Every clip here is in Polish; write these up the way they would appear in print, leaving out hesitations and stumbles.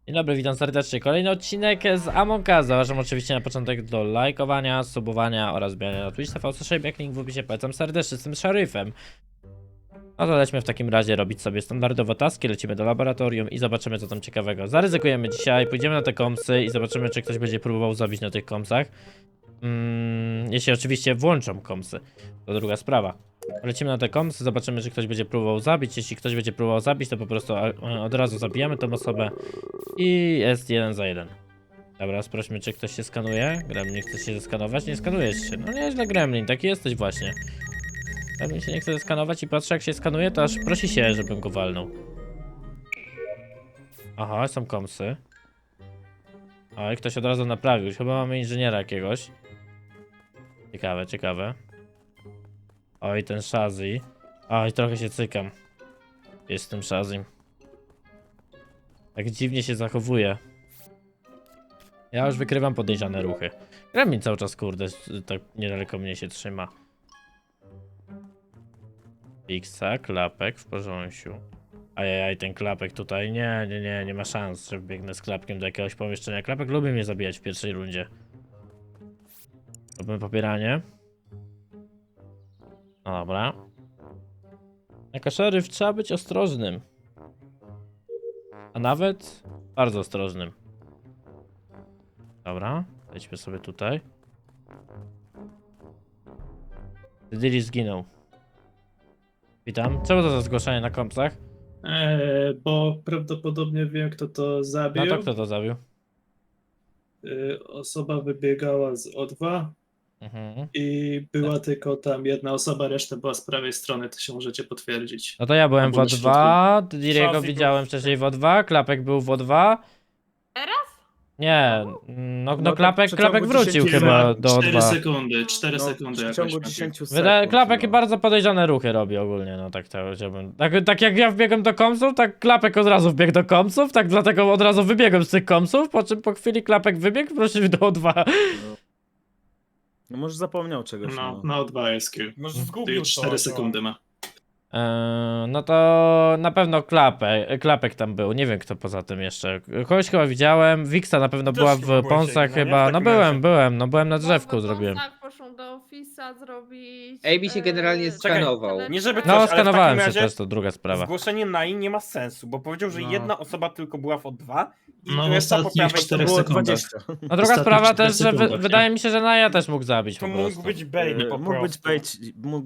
Dzień dobry, witam serdecznie. Kolejny odcinek z Among Us. Zapraszam oczywiście na początek do lajkowania, subowania oraz wbijania na Twitch TV, jak link w opisie. Polecam serdecznie z tym szeryfem. No to lećmy w takim razie robić sobie standardowo taski, lecimy do laboratorium i zobaczymy co tam ciekawego. Zaryzykujemy dzisiaj, pójdziemy na te kompsy i zobaczymy czy ktoś będzie próbował zabić na tych kompsach. Jeśli oczywiście włączą kompsy, to druga sprawa. Lecimy na te kompsy, zobaczymy czy ktoś będzie próbował zabić. Jeśli ktoś będzie próbował zabić, to po prostu od razu zabijamy tą osobę i jest 1 za 1. Dobra, sprawdźmy czy ktoś się skanuje. Gremlin chce się zeskanować, nie skanujesz się. No nieźle Gremlin, taki jesteś właśnie. Gremlin się nie chce zeskanować i patrzy jak się skanuje, to aż prosi się, żebym go walnął. Aha, są kompsy. Oj, ktoś od razu naprawił, chyba mamy inżyniera jakiegoś. Ciekawe, ciekawe. Oj, ten Shazzy. Oj, trochę się cykam. Jest tym Shazzy. Tak dziwnie się zachowuje. Ja już wykrywam podejrzane ruchy. Gremlin cały czas, kurde, tak niedaleko mnie się trzyma. Fixa, klapek w porządku. Ajajaj, ten klapek tutaj. Nie ma szans, że wbiegnę z klapkiem do jakiegoś pomieszczenia. Klapek lubi mnie zabijać w pierwszej rundzie. Robimy popieranie. No dobra. Jako szeryf trzeba być ostrożnym. A nawet bardzo ostrożnym. Dobra, lećmy sobie tutaj. Diddy zginął. Witam. Czemu to za zgłoszenie na kompsach? Bo prawdopodobnie wiem, kto to zabił. No to kto to zabił? Osoba wybiegała z O2 i była tylko tam jedna osoba, reszta była z prawej strony, to się możecie potwierdzić. No to ja byłem w Albo na O2, Diddy'ego Shazzy widziałem wcześniej w O2, Klapek był w O2. Teraz? Nie, no tak Klapek, w przeciągu Klapek wrócił 10 chyba do 4 O2. sekundy, 4 No, sekundy w jakoś. ciągu Maciek. 10 sekund. Klapek no. bardzo podejrzane ruchy robi ogólnie, no tak to chciałbym. Tak jak ja wbiegłem do komsów, tak Klapek od razu wbiegł do komsów, tak dlatego od razu wybiegłem z tych komsów, po czym po chwili Klapek wybiegł, wrócił do O2. No może zapomniał czegoś. No, na O2 jest kill. Może Ty zgubił 4 sekundy ma. No to na pewno Klapek tam był, nie wiem kto poza tym jeszcze. Kogoś chyba widziałem, Wixa na pewno Też była chyba w byłeś ponsach jak, no nie? chyba, W no takim byłem na drzewku Bo zrobiłem. Tak, poszłam do ofisa zrobić. AB się generalnie skanował. Nie żeby No ale w skanowałem takim się razie też, to druga sprawa. Zgłoszenie Nai nie ma sensu, bo powiedział, że No. jedna osoba tylko była w O2 i No, w reszta po ostatnich prawej 4 to było sekundach. 20. No druga Ostatnich sprawa 4 też, że sekundach, nie? wydaje mi się, że Naja też mógł zabić To po mógł prostu. być Bailey po Mógł być prostu.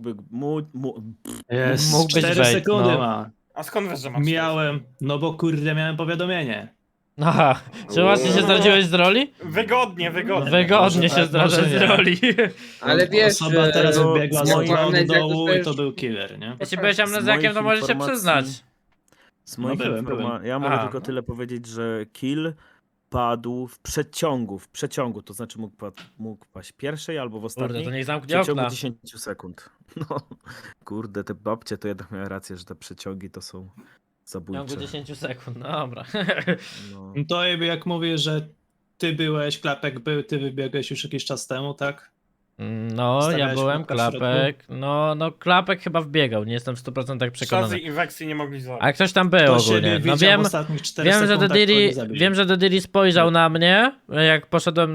Jest, Mógł być 4 bait, sekundy no. ma. A skąd wiesz, że ma Miałem, no bo kurde miałem powiadomienie. Aha, czy właśnie się zdradziłeś z roli? Wygodnie. Wygodnie Może się tak, zdradza może z nie. roli. Ale wiesz, Osoba teraz no, wybiegła z z O2 moich- od dołu jak i to to był killer, nie? Jeśli byłeś amnezjakiem, to moich możesz się informacji- przyznać. Z moich No byłem. informacji. Ja mogę A, tylko no. tyle powiedzieć, że kill padł w przeciągu, to znaczy mógł paść pierwszej albo w Kurde, ostatniej. to niech W zamknie przeciągu okna. 10 sekund. No, kurde, te babcie to jednak miały rację, że te przeciągi to są W zabójcze. ciągu 10 sekund, no dobra. No. No to jakby jak mówię, że ty byłeś, Klapek był, ty wybiegłeś już jakiś czas temu, tak? No, ja Stawiałeś byłem, kropkę w środku? Klapek. No, Klapek chyba wbiegał, nie jestem w 100% przekonany. Shazzy i Vexy nie mogli zabić. A ktoś tam był Kto ogólnie. siebie No widział wiem, w ostatnich 4 wiem, że sekundach, to Diddy, nie zabili. wiem, że Diddy spojrzał na mnie, jak poszedłem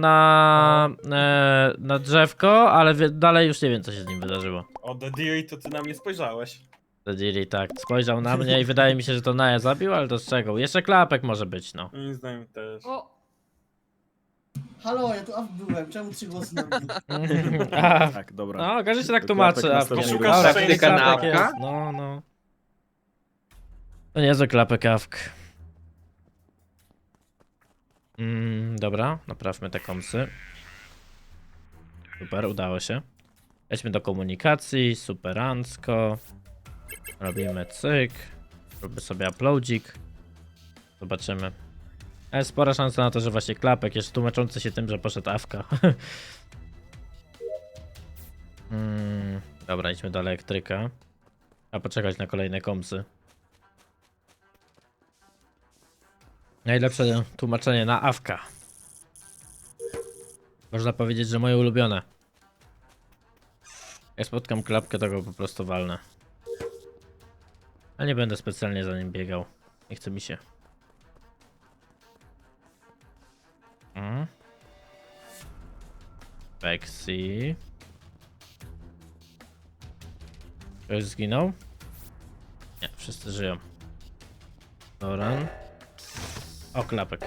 na drzewko, ale dalej już nie wiem, co się z nim wydarzyło. O The Deary to ty na mnie spojrzałeś. Diddy tak, spojrzał na mnie i wydaje mi się, że to Naja zabił, ale to z czego? Jeszcze Klapek może być, no. Moim zdaniem też. O, Halo, ja tu byłem, czemu 3 głosy na mnie? A, Tak, dobra. no, każdy się tak To tłumaczy. Klapek A następnie Dobra, Poszukasz Klapek swojej jest, kanapka? no. To niezły Klapek awk. Dobra, naprawmy te komsy. Super, udało się. Lećmy do komunikacji, superancko. Robimy cyk. Robimy sobie uploadzik. Zobaczymy. Jest spora szansa na to, że właśnie Klapek jest tłumaczący się tym, że poszedł awka. Dobra, idźmy do elektryka. A poczekać na kolejne komsy. Najlepsze tłumaczenie na awka. Można powiedzieć, że moje ulubione. Jak spotkam Klapkę, to go po prostu walnę. Ale nie będę specjalnie za nim biegał. Nie chce mi się. Vexi. Ktoś zginął? Nie, wszyscy żyją. Doran. O, klapek.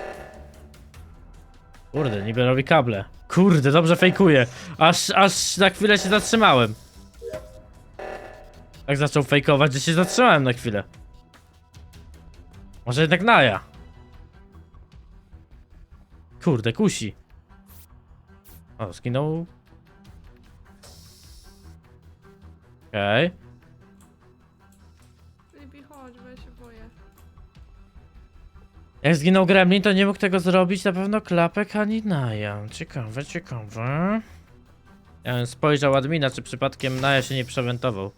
Kurde, niby robi kable. Kurde, dobrze fejkuje. Aż na chwilę się zatrzymałem. Tak zaczął fejkować, że się zatrzymałem na chwilę. Może jednak Naja. Kurde, kusi. O, zginął. Okej. Flippy, chodź, bo ja się boję. Jak zginął Gremlin, to nie mógł tego zrobić na pewno klapek ani Naja. Ciekawe, ciekawe. Ja bym spojrzał admina, czy przypadkiem Naja się nie przewentował.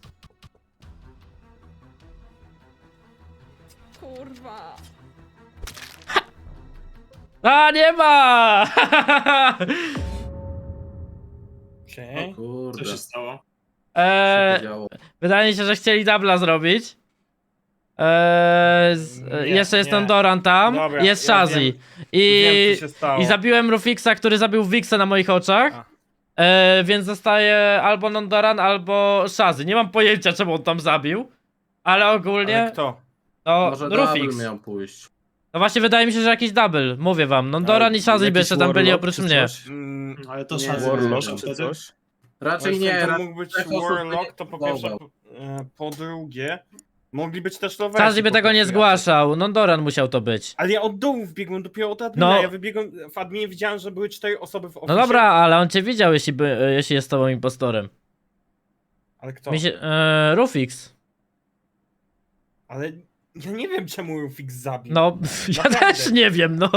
Kurwa. A, nie ma! Okej. Co Kurde, się stało? się działo. Wydaje mi się, że chcieli dubla zrobić. Nie, Jeszcze jest nie. Nondoran tam, Dobra, jest ja Shazzy. wiem, I co się stało. zabiłem Rufixa, który zabił Wixa na moich oczach. Więc zostaje albo Nondoran, albo Shazzy. Nie mam pojęcia, czemu on tam zabił. Ale ogólnie Ale kto? to Może double Rufix. miał pójść. No właśnie wydaje mi się, że jakiś double. Mówię wam, Nondoran Ale i Shazzy by jakiś jeszcze tam byli Warlock oprócz czy mnie. coś? Ale to Nie, Shazzy Warlock wyszedł czy wtedy. coś? Raczej Właśnie nie, to mógł być trzech osób Warlock, to po pierwsze. próbował. Po drugie, mogli być też lowersi. Shazzy by po tego nie prostu zgłaszał, Nondoran musiał to być. Ale ja od dołu wbiegłem dopiero od admina. No. Ja wybiegłem w adminie, widziałem, że były 4 osoby w No oficie. dobra, ale on cię widział, jeśli jest tobą impostorem. Ale kto? Rufix. Ale ja nie wiem, czemu Rufix zabił. No, ja Naprawdę. też nie wiem, no.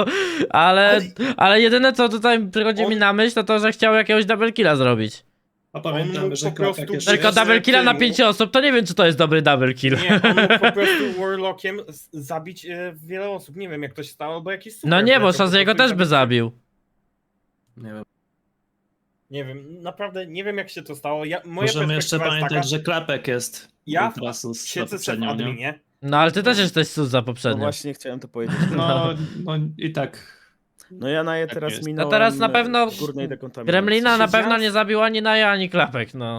Ale jedyne co tutaj przychodzi mi On- na myśl, to to, że chciał jakiegoś double killa zrobić. A On pamiętamy, mógł że po prostu klapek jeszcze Tylko Wiesz, double że killa na temu- 5 osób, to nie wiem, czy to jest dobry double kill. Nie, on mógł po prostu Warlockiem zabić wiele osób. Nie wiem, jak to się stało, albo jakiś super. No nie, bo wleciał po Shazzy'ego prostu i też by zabił. Nie wiem. Nie wiem, naprawdę nie wiem, jak się to stało. Moja Możemy jeszcze perspektywa jest pamiętać, taka, że klapek jest. Ja Ultrasus na siedzę sobie w poprzednią, nie? adminie. No ale ty też jesteś sus za No poprzednio. właśnie chciałem to powiedzieć. No i tak. No ja na je Tak teraz jest. minąłem. No teraz na pewno w górnej dekontaminacji. Gremlina na Siedziałem- pewno nie zabił ani Naja, ani Klapek, no.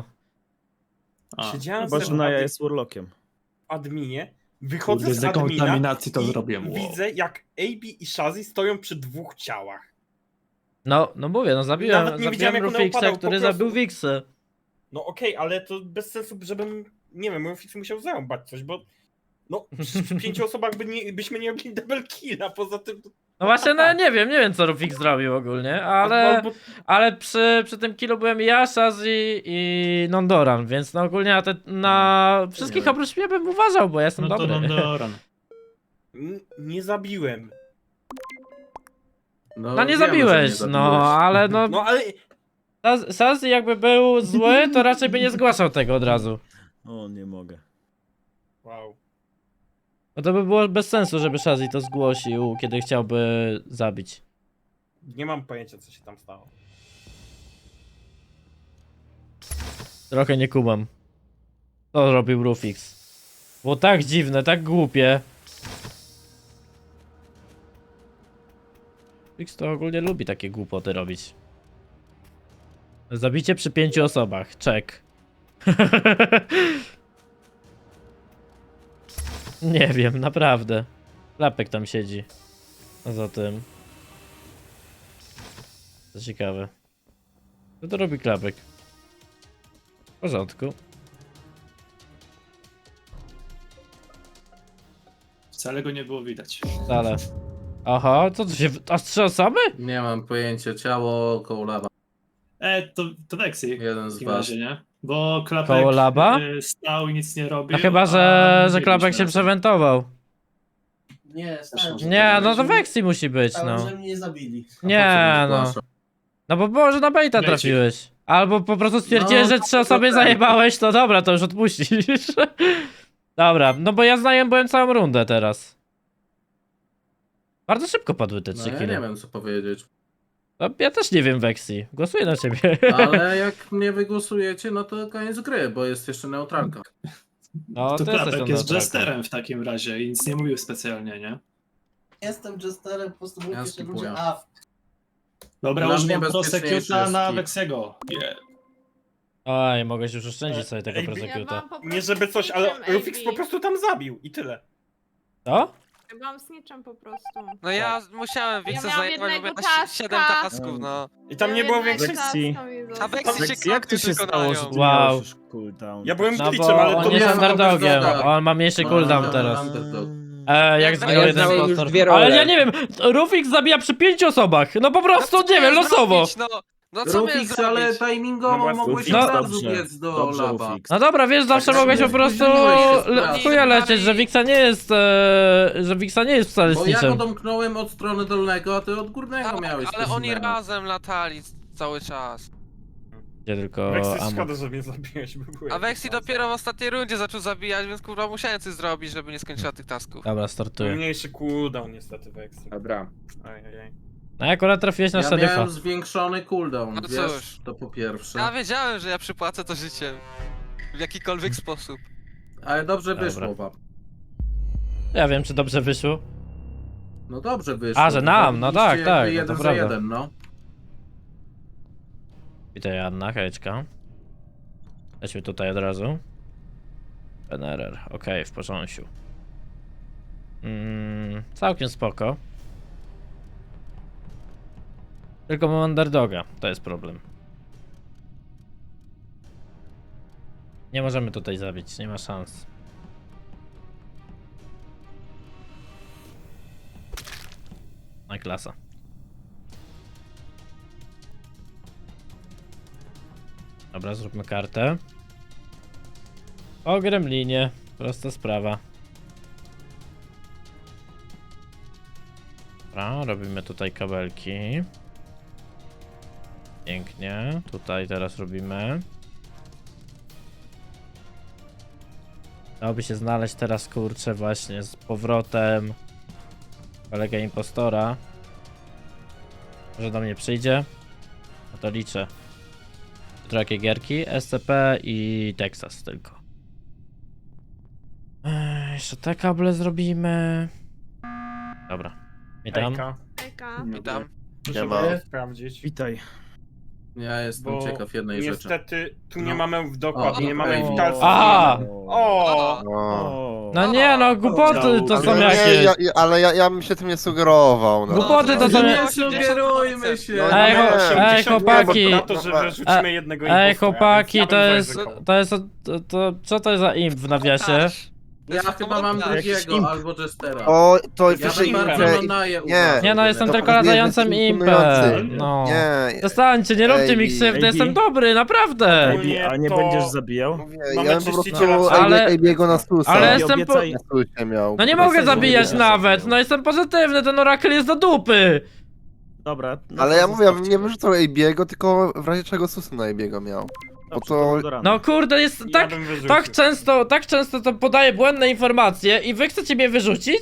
A, Siedziałem Chyba, że sobie w Naja jest Warlockiem. adminie, wychodzę kurde, z z admina dekontaminacji to i zrobiłem. Wow. widzę, jak AB i Shazzy stoją przy 2 ciałach. No mówię, no Nawet nie zabiłem widziałem, jak on Rufixa, upadał, po który prostu. zabił Wixę. No okej, ale to bez sensu, żebym, nie wiem, Rufix musiał zarąbać coś, bo no, przy 5 osobach byśmy nie robili double killa, poza tym... No właśnie, no ja nie wiem co Rufix zrobił ogólnie, ale... Albo, Ale przy tym killu byłem ja, Shazzy i Nondoran, więc no ogólnie na wszystkich Nie. oprócz mnie bym uważał, bo ja jestem No to dobry. Nondoran. nie zabiłem. No nie wiemy, że zabiłeś, zabiłeś. no ale no... No ale Shazzy jakby był zły, to raczej by nie zgłaszał tego od razu. O, nie mogę. wow. No to by było bez sensu, żeby Shazzy to zgłosił, kiedy chciałby zabić. Nie mam pojęcia, co się tam stało. Trochę nie kumam. To robił Rufix. Było tak dziwne, tak głupie. Rufix to ogólnie lubi takie głupoty robić. Zabicie przy 5 osobach. Check. Nie wiem, naprawdę. Klapek tam siedzi. Poza tym. To ciekawe. Co to robi Klapek? W porządku. Wcale go nie było widać. Wcale. Aha, co tu się... Aż 3 osoby? Nie mam pojęcia. Ciało koło lawa. To Vexy Jeden w z takim was. razie, nie? Bo klapek Koło laba? Stał i nic nie robił. No chyba, a że mówiliśmy Klapek się razem. przewentował. Nie, stałem, że Nie, no to Vexy musi być, stałem, no. że mnie nie zabili. Nie, no. No bo może na baita Leci. trafiłeś. Albo po prostu stwierdziłeś, No, że 3 osoby tak. zajebałeś, to dobra, to już odpuścisz. Dobra, no bo ja byłem całą rundę teraz. Bardzo szybko padły te 3 No, ja kile. nie wiem, co powiedzieć. No, ja też nie wiem, Vexy. Głosuję na ciebie. Ale jak mnie wygłosujecie, no to koniec gry, bo jest jeszcze neutralka. No, To ty jesteś klapek tą jest neutralką. jesterem w takim razie i nic nie mówił specjalnie, nie? Jestem jesterem, po prostu Ja mówię, że skipuję. ludzie AF. Dobra, Dla używam mnie bezpieczniejszy prosecuta jest na skip. Weksiego. Nie. Oj, mogłeś już oszczędzić sobie tego Ej, Ja prosecuta. byłam po Nie prostu żeby coś, ale snitchem, Rufix AB. po prostu tam zabił i tyle. Co? Ja byłam snitchem po prostu. No ja musiałem Ja Wixę miałam zajmować, bo jednego na taska. 7 tasków, no. I tam Ja nie było jednego większej... Weksji. taska mi A zostało. Weksy się Weksy, jak to się stało, że ty Wow. miałeś już cooldown? Ja byłem No glitchem, bo ale to on jest nie- underdogiem, underdoga. on ma mniejszy No, cooldown no, teraz. underdog. Jak Ja zginął jeden znałem już impostor. dwie role. Ale ja nie wiem, Rufix zabija przy 5 osobach. No po prostu, nie wiem, losowo. No co miałem Rufix, ale zrobić? timingowo No właśnie, mogłeś no od razu dobrze, biec do dobrze, laba. Rufix. No dobra, wiesz, zawsze Tak, mogłeś po tak, prostu spóźniłeś się, w chuja lecieć, że Wixa nie jest, że Wixa nie jest wcale Bo ja go snitchem. domknąłem od strony dolnego, a ty od górnego Tak, miałeś. ale oni specimena. razem latali cały czas. Gdzie tylko Weksy, Amon. szkoda, że mnie zabiłeś, bo byłem... A Vexi dopiero w ostatniej rundzie zaczął zabijać, więc kurwa musiałem coś zrobić, żeby nie skończyła tych tasków. Dobra, startuję. Mniejszy cooldown niestety Weksy. Dobra. Ajajaj. No akurat trafiłeś na Ja szeryfa. miałem zwiększony cooldown, No wiesz, cóż. to po pierwsze. Ja wiedziałem, że ja przypłacę to życiem. W jakikolwiek sposób. Ale dobrze Dobra. wyszło wam. Ja wiem, czy dobrze wyszło. No dobrze wyszło. A, że nam, no tak, Zabiliście tak, jakby no to jeden za prawda. jeden, no. Witaj Anna, hejczka. Lećmy tutaj od razu. NRR, okej, w porządku. Całkiem spoko. Tylko mam underdoga, to jest problem. Nie możemy tutaj zabić, nie ma szans. No i klasa. Dobra, zróbmy kartę. O gremlinie, prosta sprawa. Dobra, robimy tutaj kabelki. Pięknie, tutaj teraz robimy. Dałoby się znaleźć teraz, kurczę, właśnie z powrotem kolegę impostora. Może do mnie przyjdzie? No to liczę. Jutro jakie gierki? SCP i Texas tylko. Jeszcze te kable zrobimy. Dobra. Witam. Hejka. Ejka. Witam. Muszę Siema. było sprawdzić. Witaj. Ja jestem Bo ciekaw jednej rzeczy. niestety tu nie No. mamy dokładnie, nie mamy okej. witalcy. A! O! O. No nie no, głupoty to są Ale jakieś. ja bym się tym nie sugerował. No. Głupoty to są Nie jakieś. sugerujmy się! No, Ej, nie. ej, chłopaki. Na to, że wyrzucimy jednego impostora, Ej więc chłopaki, ja to bym jest, zaryzykował. co to jest za imp w nawiasie? Ja chyba mam drugiego, albo Jestera. O, to Ja wyżej bym bardzo nie, Nonaję nie. uważał. Nie no, jestem To tylko powinien latającym być impem. imponujący. No. nie. Przestańcie, nie róbcie mi Ej, krzywdy, ej, jestem dobry, naprawdę. Ogólnie A nie to- będziesz zabijał? Mówię, Mamy ja bym po czyściciela prostu Ale- AB'ego na Stusa. Ale Ej, jestem po... obiecaj- Na Stusie miał. No nie Obiecaj, mogę że zabijać nie nawet, zabijał. no jestem pozytywny, ten orakel jest do dupy. Dobra. no Ale to ja mówię, ja bym zostawcie. nie wyrzucał AB'ego, tylko w razie czego Stusa na AB'ego miał. Dobrze, to- do rana. No kurde, jest Ja tak, bym wyrzucił. tak często to podaje błędne informacje i wy chcecie mnie wyrzucić?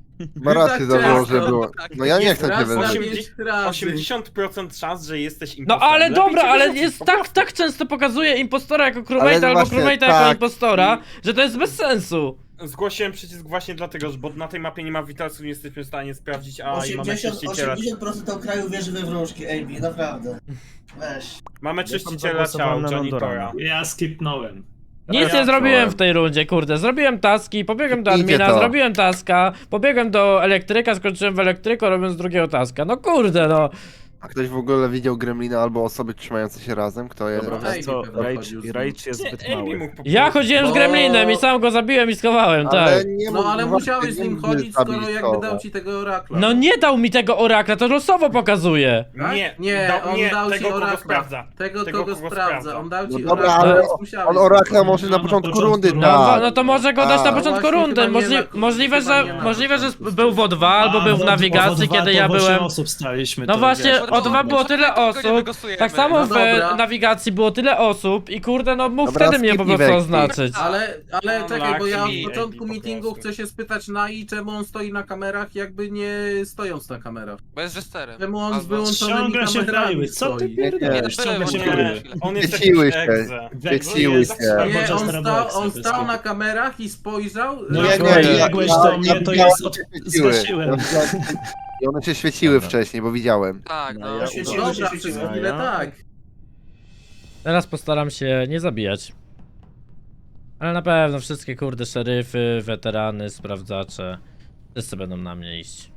Ma rację tak zawołał, że często. było. No ja nie Jest chcę cię Raz na wyrzucić. 80 pięć razy. 80% szans, że jesteś No impostorem. ale Lepiej dobra, cię ale wyrzucić, jest po tak, prostu. tak często pokazuje impostora jako crewmate'a albo właśnie, crewmate'a jako tak. impostora, że to jest bez sensu. Zgłosiłem przycisk właśnie dlatego, że bo na tej mapie nie ma witalców, nie jesteśmy w stanie sprawdzić, a i mamy 80% czyściciela. 80% kraju wierzy we wróżki, AB, naprawdę. Weź. Mamy tam czyściciela ciał, zagłosowałem na Janitora. Londorana. Ja skipnąłem. Nic ja nie zrobiłem czułem. w tej rundzie, kurde. Zrobiłem taski, pobiegłem do Idzie admina, to. zrobiłem taska, pobiegłem do elektryka, skończyłem w elektryku, robiąc drugiego taska. No kurde, no. A ktoś w ogóle widział Gremlina albo osoby trzymające się razem? Kto je... Dobra, Ej, wiesz co, pewnie chodził z nim. Rage jest Nie, zbyt AB mały. mógł po Ja prostu. chodziłem z Bo- gremlinem i sam go zabiłem i schowałem, tak. nie No mógł ale właśnie, musiałeś z nie nim mógł chodzić, skoro zabić jakby kogo. dał ci tego orakla. No nie dał mi tego orakla, to losowo pokazuje. Tak? Nie, Nie, on nie, dał ci tego kogo orakla. sprawdza. Tego, Tego, kogo kogo sprawdza. sprawdza. On dał No ci dobra, orakla, ale więc musiałeś On z orakla nim może na No, początku na początku rundy rundy. No, dać. no to może go dać na A, początku właśnie, rundy. chyba nie na- Możliwe, chyba że, nie na możliwe, że początku. był w O2 albo był w nawigacji, kiedy ja byłem. osób staliśmy. No to właśnie, wiesz. O2 było tyle osób. Tak samo No w dobra. nawigacji było tyle osób i kurde, no mógł Dobra, wtedy mnie po skipnij prostu Vexi. oznaczyć. Ale czekaj, bo ja Unlucky, od początku AB po meetingu prostu. chcę się spytać Nai, czemu on stoi na kamerach, jakby nie stojąc na kamerach. Bo jest Jesterem. Czemu on z Albo- wyłączonymi Ściąga się kamerami prawie. Co ty stoi? pierdolisz? Nie, Ściąga się nie, prawie. On jest Wyciły jakiś się. egze. Wyciły Jest się. tak Nie, Chociaż on teraz stał, Vex on to stał jest na kamerach i spojrzał. Nie, nie, Jak nie, biegłeś do mnie, to jest... Wyciły. Zgasiłem. I one się świeciły Dobra. wcześniej, bo widziałem. Tak, no. ja Świeciły Dobra, się, przez świeciły. chwilę tak. Teraz postaram się nie zabijać. Ale na pewno wszystkie kurde szeryfy, weterany, sprawdzacze. Wszyscy będą na mnie iść.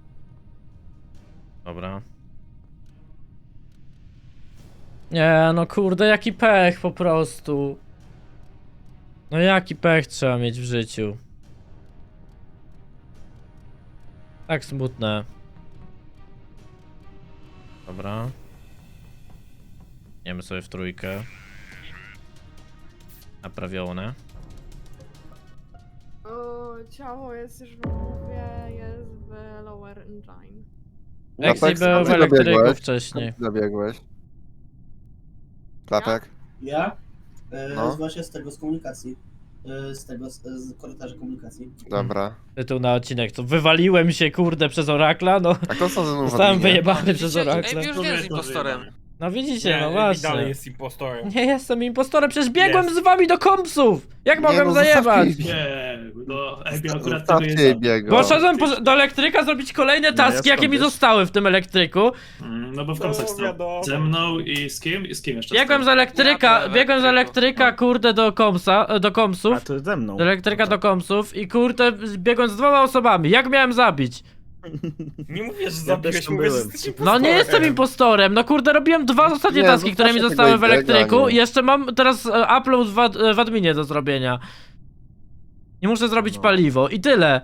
Dobra. Nie, no kurde, jaki pech po prostu. No jaki pech trzeba mieć w życiu. Tak smutne. Dobra. Idziemy sobie w trójkę. Naprawione. O, ciało jest już w głowie, jest w lower engine. Lexi Klapek, był w skąd elektryku zabiegłeś? wcześniej. Zabiegłeś. Klapek? Ja? No. Właśnie z tego, z komunikacji. Z korytarza komunikacji. Dobra. Tytuł na odcinek, to wywaliłem się kurde przez Orakla, no. A kto są ze mną w Zostałem adminie? wyjebany przez Widzicie, Orakla. Ej, już nie jest impostorem. No widzicie, Nie, no Ebi dalej właśnie. jest impostorem. Nie jestem impostorem, przecież biegłem Jest. z wami do kompsów! Jak mogłem no, zajebać? zostawcie- Nie, no Ebi akurat tego Zostawcie jest. Ebiego. Poszedłem do elektryka zrobić kolejne taski, ja jakie mi skąd zostały w tym elektryku. No bo w komsach No, stał. wiadomo. Ze mną i z kim? I z kim jeszcze Biegłem z stał? elektryka, Ja do biegłem z elektryku. elektryka, kurde, do A komsów. to ze mną. Do elektryka do komsów i kurde, biegłem z 2 osobami. Jak miałem zabić? Nie mówię, że Ja zabiłeś, też tam mówię, że byłem. jesteś impostorem. No nie jestem impostorem, no kurde, robiłem 2 ostatnie Nie, taski, które mi zostawcie zostały w tego elektryku Ebiego, i jeszcze mam teraz upload w adminie do zrobienia. I muszę zrobić No. paliwo i tyle.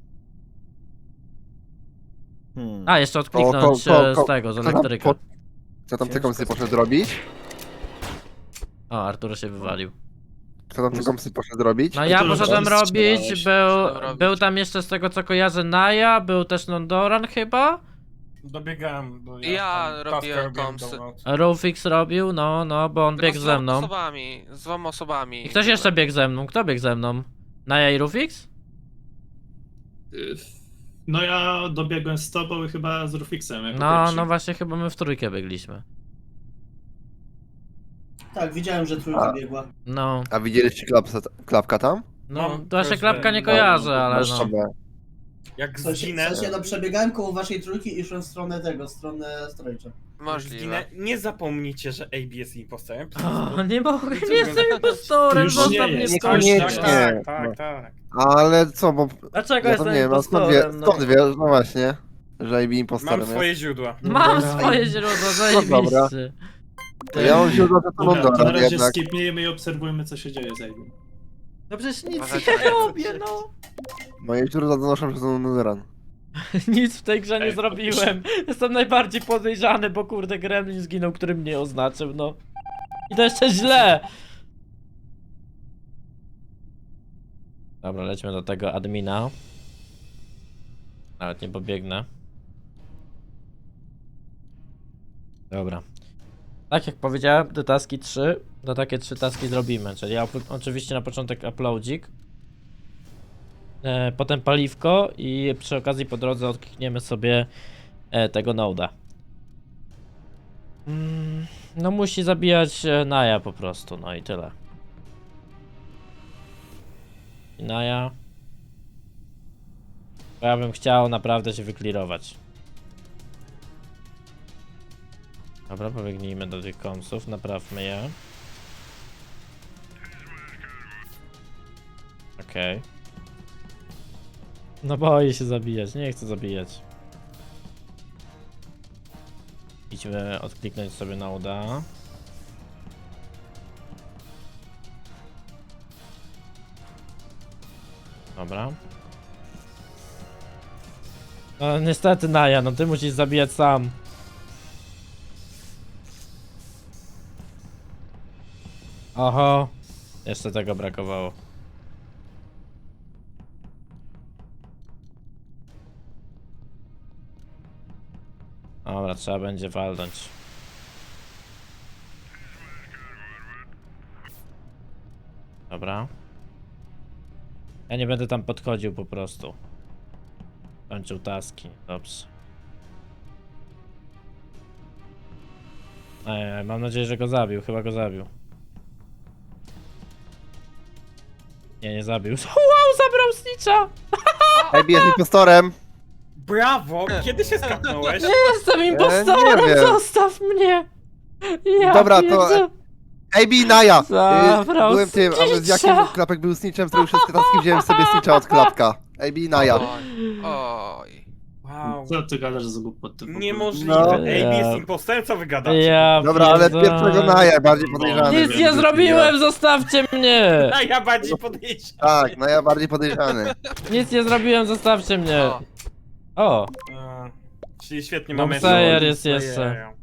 A, jeszcze odkliknąć z tego, z kto tam elektryka. Co tam te komsy poszedł robić? O, Arturo się wywalił. Kto tam te komsy poszedł robić? No ja Arturo, poszedłem co robić, strzelałeś? robić. był tam jeszcze z tego co kojarzę Naja, był też Nondoran chyba. Dobiegałem do... Ja tam robiłem taska komsy. download. Rufix robił, no, bo on biegł ze mną. Z 2 osobami. I ktoś jeszcze biegł ze mną, kto biegł ze mną? Naja i Rufix? No ja dobiegłem z tobą i chyba z Rufixem. Jako No, pierwszy. no właśnie chyba my w trójkę biegliśmy. Tak, widziałem, że trójka biegła. No, A widzieliście klapka tam? no, Mam to właśnie prośbę. klapka nie kojarzę, ale Masz no. sobie. Jak W sensie, zginę, no przebiegałem koło waszej trójki i szłem w stronę tego, w stronę Storejcza. Możliwe. nie zapomnijcie, że AB jest impostorem. O, nie mogę, nie jestem impostorem, Już zostaw nie mnie jest. skończyć. Niekoniecznie. Tak. Ale co, bo... Dlaczego Ja to jestem nie wiem, a skąd wie, impostorem? skąd wiesz, no właśnie, że AB impostorem Mam jest. swoje źródła. Mam Dobra. swoje źródła, dobra. zajebiście. To ja mam źródła, że to Dobra, to na Nondoran razie jednak. skipnijmy i obserwujmy, co się dzieje z Ebi. No przecież nic Uważajcie, nie jak robię, chcecie. no. Moje źródła donoszą, że to Nondoran. Nic w tej grze nie Ej, zrobiłem. Jestem najbardziej podejrzany, bo kurde Gremlin zginął, który mnie oznaczył, no. I to jeszcze źle. Dobra, lećmy do tego admina. Nawet nie pobiegnę. Dobra. Tak jak powiedziałem, te taski 3, to takie 3 taski zrobimy, czyli oczywiście na początek uploadzik. Potem paliwko i przy okazji po drodze odklikniemy sobie tego noda. No musi zabijać Naja po prostu, no i tyle. I Naja. Bo ja bym chciał naprawdę się wyklirować. Dobra, pobiegnijmy do tych komsów, naprawmy je. Okej. No boję się zabijać, nie chcę zabijać. Idźmy odkliknąć sobie na uda. Dobra. No niestety Naja, no ty musisz zabijać sam. Oho. Jeszcze tego brakowało. Dobra, trzeba będzie walnąć. Dobra. Ja nie będę tam podchodził po prostu. Kończył taski, dobrze. Mam nadzieję, że go zabił, chyba go zabił. Nie zabił. Wow, zabrał Snitcha! AB jest impostorem! Brawo! Kiedy się skapnąłeś? Jestem impostorem, nie wiem. zostaw mnie! Ja Dobra, to- pierdzę- AB i Naja! Zabrał Byłem tym, a z jakim snitcha. Klapek był snitchem, zrobił wszystkie taski, wziąłem sobie snitcha od Klapka. AB i Naja. Oj. Wow. Co ty gadasz za głupoty? w ogóle? Niemożliwe. No. AB jest impostorem, co wy gadacie? Ja Dobra, ale pierdolę. pierwszego Naja bardziej podejrzany. Nic nie zrobiłem, zostawcie mnie! A ja bardziej podejrzewam. Tak, Naja bardziej podejrzany. Nic nie zrobiłem, zostawcie mnie! O. O, Czyli świetnie Dom mamy... Sayer jest Sayer. jeszcze.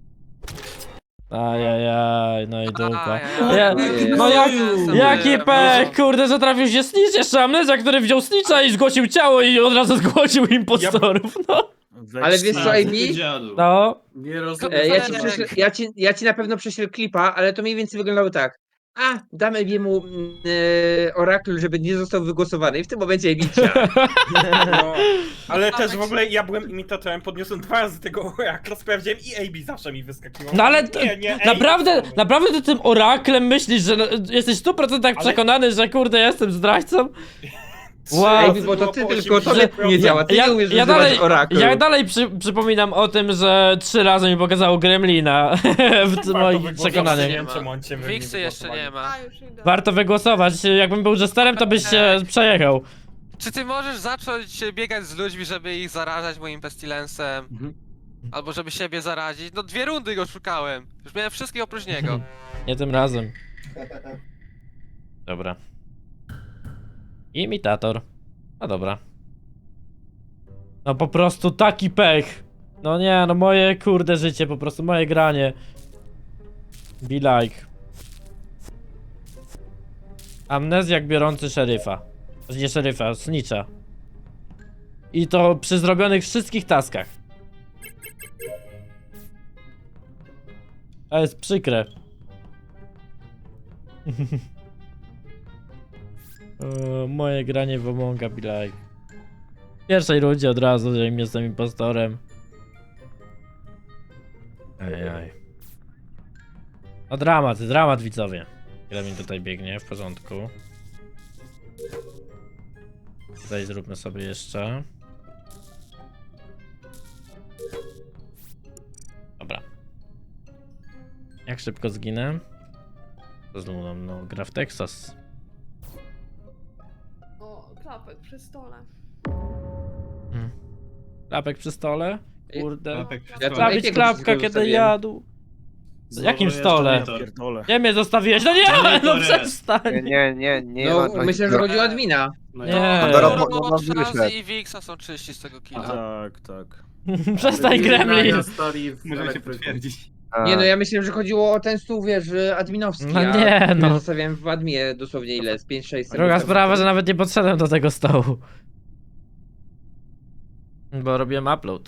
ajajaj, no i dupa. Ajajaj. Ja, no jak, Jestem jaki byłem, pech, no. kurde, że trafił się Snitch, jeszcze Amnezja, który wziął Snitcha i zgłosił ciało i od razu zgłosił impostorów, no. Ale wiesz co, A, AB? ty dziadu. No, Nie rozumiem. Ja ci na pewno prześlę klipa, ale to mniej więcej wyglądało tak. A, damy mu orakl, żeby nie został wygłosowany i w tym momencie AB wsiadł. No, ale też w ogóle ja byłem imitatorem, podniosłem 2 razy tego orakla, sprawdziłem i AB zawsze mi wyskakiwał. no ale nie, naprawdę ty tym oraklem myślisz, że jesteś w 100% przekonany, że kurde, jestem zdrajcą? Wow. AB, bo to ty tylko tobie nie działa, ty nie umiesz używać oraklu. Ja dalej przypominam o tym, że 3 razy mi pokazało Gremlina w moich przekonaniach. Nie wiem, czemu on cię Wiksy jeszcze nie ma. A, już idę. Warto wygłosować, jakbym był jesterem, to byś się przejechał. Czy ty możesz zacząć biegać z ludźmi, żeby ich zarażać moim pestilensem? Albo żeby siebie zarazić? No 2 rundy go szukałem. Już miałem wszystkich oprócz niego. Nie tym razem. Dobra. Imitator. No dobra. No po prostu taki pech. No nie, no moje kurde życie, po prostu moje granie. Be like. Amnezjak biorący szeryfa. Nie szeryfa, snitcha. I to przy zrobionych wszystkich taskach. To jest przykre. Moje granie w Amonga be like. W pierwszej rundzie od razu, że im jestem impostorem. Ejej. No dramat widzowie. Ile mi tutaj biegnie, w porządku. Tutaj zróbmy sobie jeszcze. Dobra. Jak szybko zginę? To znowu nam no, gra w Texas. O, klapek przy stole. Klapek przy stole? Kurde. Ja to Trawić jakiego klapka, wszystkiego kiedy zostawiłem? jadł. W jakim Znowu stole? jeszcze Nitor. Pierdolę. Gdzie mnie zostawiłeś? No nie, no przestań! Nie. No, myślę, że chodzi o admina. No Nie. ja- Dobra, No, no, Shazzy i Wixa są czyści z tego killa. Tak. Przestań Gremlin! Możemy się potwierdzić. Nie no, ja myślałem, że chodziło o ten stół, wiesz, adminowski. No a nie, który no. Zostawiałem w adminie dosłownie ile? Z 5-6 sekund. Druga sprawa, że nawet nie podszedłem do tego stołu. Bo robiłem upload.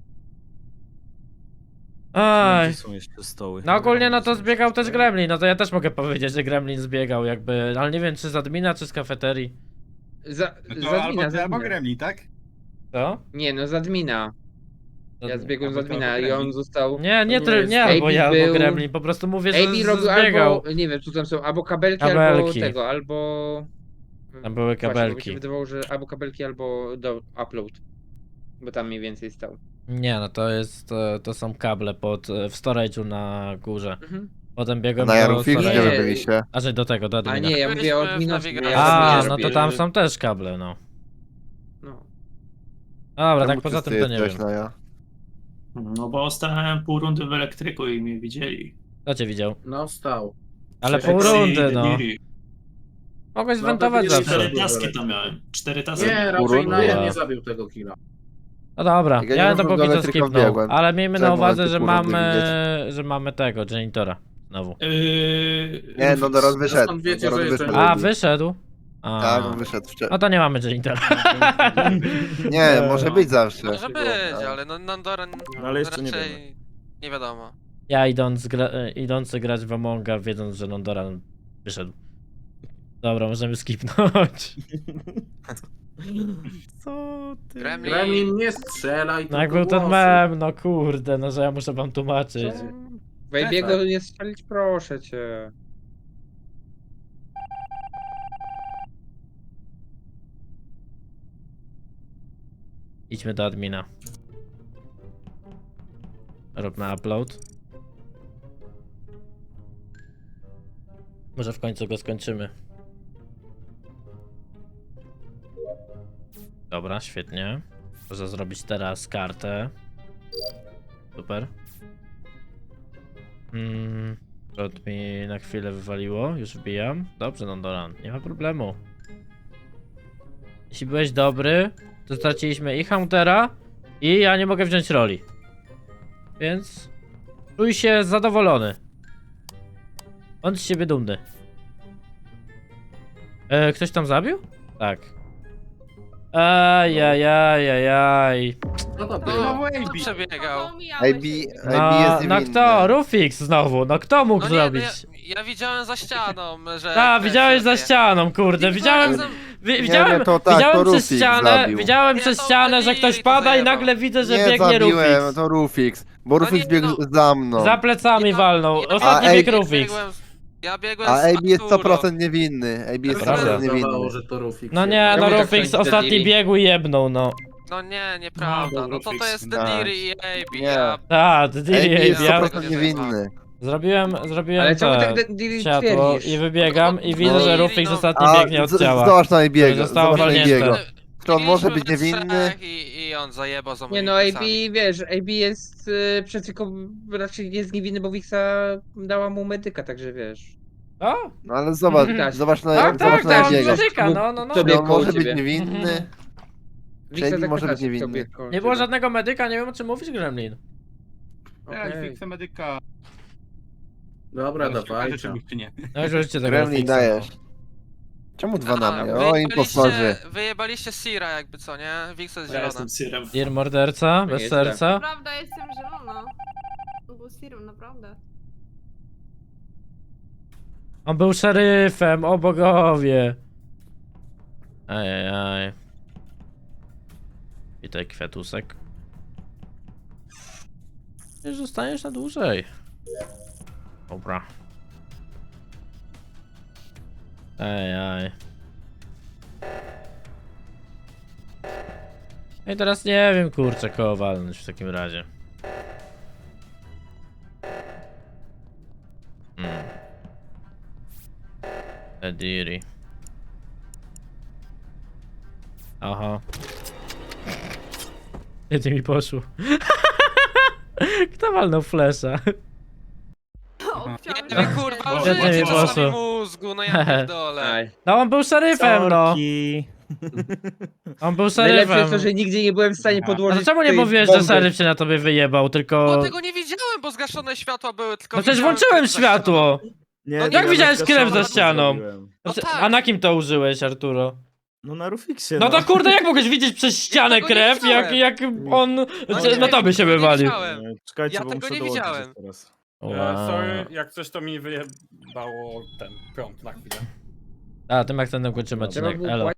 Aj. Gdzie są jeszcze stoły? No ogólnie no to zbiegał też Gremlin, no to ja też mogę powiedzieć, że Gremlin zbiegał jakby, ale nie wiem czy z admina, czy z kafeterii. Z admina. Gremlin, tak? Co? Nie no, z admina. Ja zbiegłem z admina i on został... Nie, AB albo ja, albo był- Gremlin, po prostu mówię, że AB robił zbiegał. albo, nie wiem, co tam są, albo kabelki, Kabelki. albo tego, albo... Tam były Właśnie, bo mi się kabelki. wydawało, że albo kabelki, albo do upload. Bo tam mniej więcej stał. Nie, no to jest, to są kable w storage'u na górze. Mhm. Potem biegłem Na do Jarufix, storage'u. gdzie wy Nie. byliście? A że do tego, do A admina. nie, ja mówię o Byliśmy w adminowskim. nawigacji. ja A, adminie no to robię. tam są też kable, no. No. Dobra, Czemu tak ty poza tym to nie jesteś, wiem. Naja? No bo stałem pół rundy w elektryku i mnie widzieli. Kto cię widział? No stał. Ale Czekaj, pół rundy, no. Dediri. Mogłeś No, zwentować to zawsze. 4 taski to miałem. 4 taski. Nie, raczej Urunda. Naja nie zabił tego killa. No dobra, Jak ja ja nie to wiem, do póki co elektryka skipnął. wbiegłem. Ale miejmy na Czemu uwadze, mam że tu rundy mamy tego, janitora. Znowu. Nie, no teraz wyszedł. Skąd wiecie, Doros że wyszedł. jestem- A, wyszedł? A, Tak, on wyszedł wcześniej. no to nie mamy janitora. Nie, może być zawsze. Może być, ale no Nandora Ale jeszcze nie raczej nie wiadomo. Ja idący grać w Amonga, wiedząc, że Nondora wyszedł. Dobra, możemy skipnąć. Co ty? Gremlin nie strzelaj, No jak tylko był ten głosy. mem, no kurde, no że ja muszę wam tłumaczyć. Wejbiego nie strzelić, proszę cię. Idźmy do admina. Róbmy upload. Może w końcu go skończymy. Dobra, świetnie. Można zrobić teraz kartę. Super. Rot mi na chwilę wywaliło, już wbijam. Dobrze, Nondoran, nie ma problemu. Jeśli byłeś dobry, to straciliśmy i Huntera, i ja nie mogę wziąć roli. Więc czuj się zadowolony. Bądź z siebie dumny. Ktoś tam zabił? Tak. Ajajajajaj. No to No, było. kto przebiegał? AB No, jest no niewinny. kto? Rufix znowu, no kto mógł No nie, no zrobić? ja widziałem za ścianą, że... Tak, widziałeś za ścianą, kurde, widziałem... Widziałem, nie, to tak, widziałem to przez Rufix ścianę, zabił. widziałem Nie, przez to ścianę, że Deliri ktoś to pada i zajebał. nagle widzę, że Nie biegnie zabiłem, Rufix. to Rufix. Bo No Rufix nie, biegł no. za mną. Za plecami Ja- walnął, ja- ostatni A bieg AB Rufix. Ja biegłem A z AB jest Arturo. 100% niewinny. AB jest Prawda. 100% niewinny. Zdawało, że to Rufix. No nie, Ja no mówię, tak Rufix to jest ostatni Deliri. biegł i jebnął, no. No nie, nieprawda. No, No to Rufix, jest tak. Deliri i AB. Nie. Ja... Tak, AB Diri, jest ja 100% niewinny. zrobiłem Ale czemu te tak Deliri światło twierdzisz? i wybiegam i widzę, że No. Rufix ostatni A biegnie od ciała. zobacz na AB'ego. Zostało Zobacz na walnięte. AB'ego. Czy on może być Biegliśmy we niewinny? trzech I on zajebał za Nie moimi no, AB, plecami. wiesz, AB jest przeciwko, raczej jest niewinny, bo Wixa dała mu medyka, także wiesz. O, No ale zobacz, Tak. zobacz na, tak, zobacz tak, na tak, AB'ego. medyka, no, no, no. To Czy biegł on koło może być ciebie. niewinny? Wixa AB tak może być naprawdę niewinny. biegł koło Nie było ciebie. żadnego medyka, nie wiem o czym mówisz, Gremlin. Okej. medyka. Dobra, dawajcie. No już rzućcie tego Gremlin Rufixa, dajesz. no. Czemu dwa na mnie? O, wyjebaliście- impostorzy. Wyjebaliście Sira jakby co, nie? Wix jest Ja zielona. jestem Sirem. Dir morderca, bez jestem. serca. Prawda, jestem zielona. No bo Sirum, naprawdę. On był szeryfem, o bogowie. Ajajaj. Witaj, kwiatusek. Już zostaniesz na dłużej. Dobra. Ajaj. No i teraz nie wiem, kurczę, kogo walnąć w takim razie. Ediri. Aha. Jedzie mi poszło. Kto walnął flesza? Nie wiem, kurwa, Bo- użyjcie Świetnie mi czasami poszło. mózgu, no ja pierdolę. Aj. No on był szeryfem, no. Sorki. On był Najlepsze jest szeryfem. to, że nigdzie nie byłem w stanie A podłożyć to czemu nie tej mówiłeś, że bomby. szeryf się na tobie wyjebał, Bo tylko... tego nie widziałem, bo zgaszone światła były, tylko No przecież widziałem włączyłem krew za światło! Nie, No nie, jak ja widziałeś na krew za ścianę ścianą? zrobiłem. No tak. A na kim to użyłeś, Arturo? No na Rufixie. No to kurde, jak mogłeś widzieć przez ścianę tego nie krew, jak widziałem. on nie, na tobie się tego nie wywalił? widziałem. Czekajcie, Ja bo tego muszę nie dołączyć widziałem. teraz. Wow. Sorry, jak coś to mi wyjebało ten prąd na chwilę. A, tym akcentem kończymy Trzeba odcinek, było elo.